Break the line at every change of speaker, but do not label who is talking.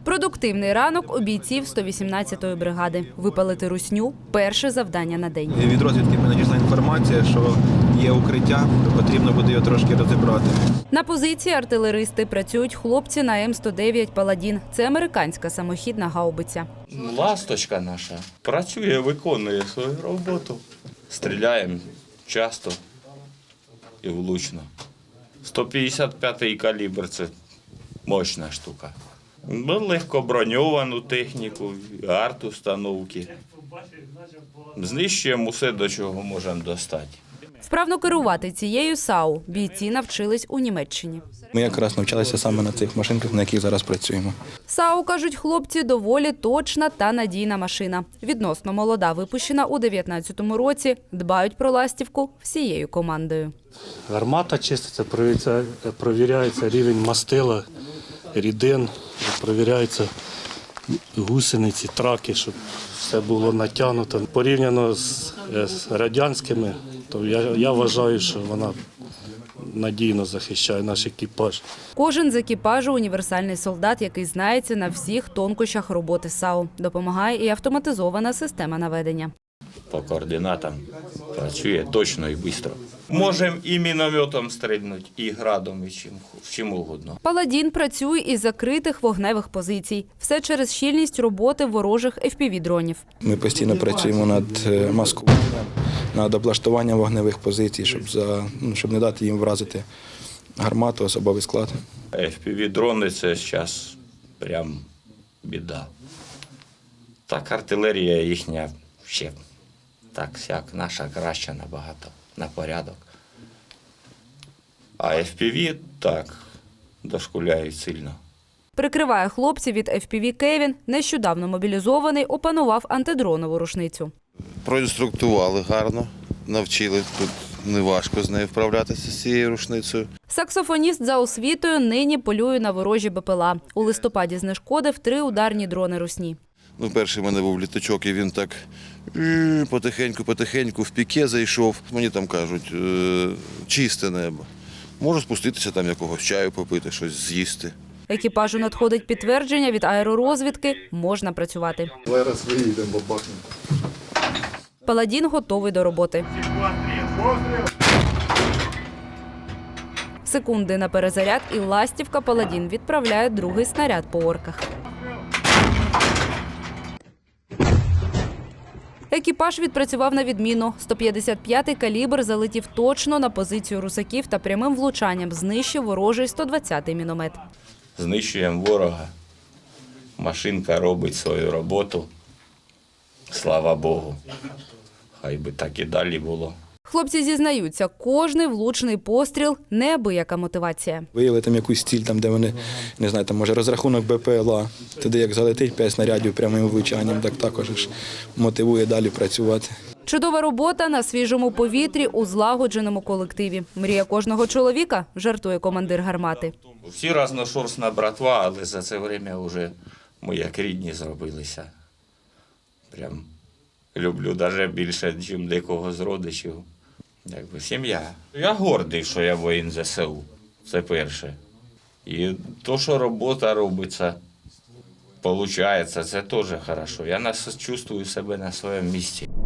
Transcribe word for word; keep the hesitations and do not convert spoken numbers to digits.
Продуктивний ранок у бійців сто вісімнадцятої бригади. Випалити русню – перше завдання на день.
Від розвідки мені надійшла інформація, що є укриття, потрібно буде його трошки розібрати.
На позиції артилеристи працюють хлопці на М сто дев'ять «Паладін». Це американська самохідна гаубиця.
Ласточка наша працює, виконує свою роботу. Стріляємо часто і влучно. сто п'ятдесят п'ятий калібр – це мощна штука. Легко броньовану техніку, арт-установки. Знищуємо усе, до чого можемо достати.
Вправно керувати цією САУ бійці навчились у Німеччині.
Ми якраз навчалися саме на цих машинках, на яких зараз працюємо.
САУ, кажуть хлопці, доволі точна та надійна машина. Відносно молода, випущена у дев'ятнадцятому році, дбають про ластівку всією командою.
Гармата чиститься, провіряється, провіряється рівень мастила, рідин, провіряються гусениці, траки, щоб все було натягнуто. Порівняно з, з радянськими, то я, я вважаю, що вона надійно захищає наш екіпаж.
Кожен з екіпажу – універсальний солдат, який знається на всіх тонкощах роботи САУ. Допомагає і автоматизована система наведення.
По координатам працює точно і швидко. Можемо і мінометом стрільнути, і градом, і чим, чим угодно.
«Паладін» працює із закритих вогневих позицій. Все через щільність роботи ворожих еф пі ві-дронів.
Ми постійно працюємо над маскуванням, над облаштуванням вогневих позицій, щоб, за, ну, щоб не дати їм вразити гармату, особовий склад.
еф пі ві-дрони – це зараз прям біда. Так, артилерія їхня ще так сяк, наша краща набагато, на порядок. А еф пі ві так, дошкуляють сильно.
Прикриває хлопців від еф пі ві Кевін. Нещодавно мобілізований опанував антидронову рушницю.
Проінструктували гарно, навчили. Тут неважко з нею вправлятися, з цією рушницею.
Саксофоніст за освітою нині полює на ворожі Б П Л А. У листопаді знешкодив три ударні дрони русні.
Ну, перший в мене був літачок, і він так потихеньку-потихеньку в піке зайшов. Мені там кажуть, чисте небо. Можу спуститися, там якогось чаю попити, щось з'їсти.
Екіпажу надходить підтвердження від аеророзвідки – можна працювати.
Зараз виїдемо, бабахнемо.
«Паладін» готовий до роботи. Секунди на перезаряд і ластівка «Паладін» відправляє другий снаряд по орках. Екіпаж відпрацював на відміну. сто п'ятдесят п'ятий калібр залетів точно на позицію русаків та прямим влучанням знищив ворожий сто двадцятий міномет.
Знищуємо ворога. Машинка робить свою роботу. Слава Богу. Хай би так і далі було.
Хлопці зізнаються, кожний влучний постріл – неабияка мотивація.
Виявили там якусь ціль, там, де вони, не знаю, там, може розрахунок Б П Л А. Туди як залетить п'ять снарядів прямим влучанням, так також ж мотивує далі працювати.
Чудова робота на свіжому повітрі у злагодженому колективі. Мрія кожного чоловіка, жартує командир гармати.
Всі разношорстна братва, але за це время вже ми як рідні зробилися. Прям люблю навіть більше, ніж декого з родичів. Якби сім'я. Я гордий, що я воїн Зе Се У. Це перше. І то, що робота робиться, виходить, це теж добре. Я чувствую себе на своєму місці.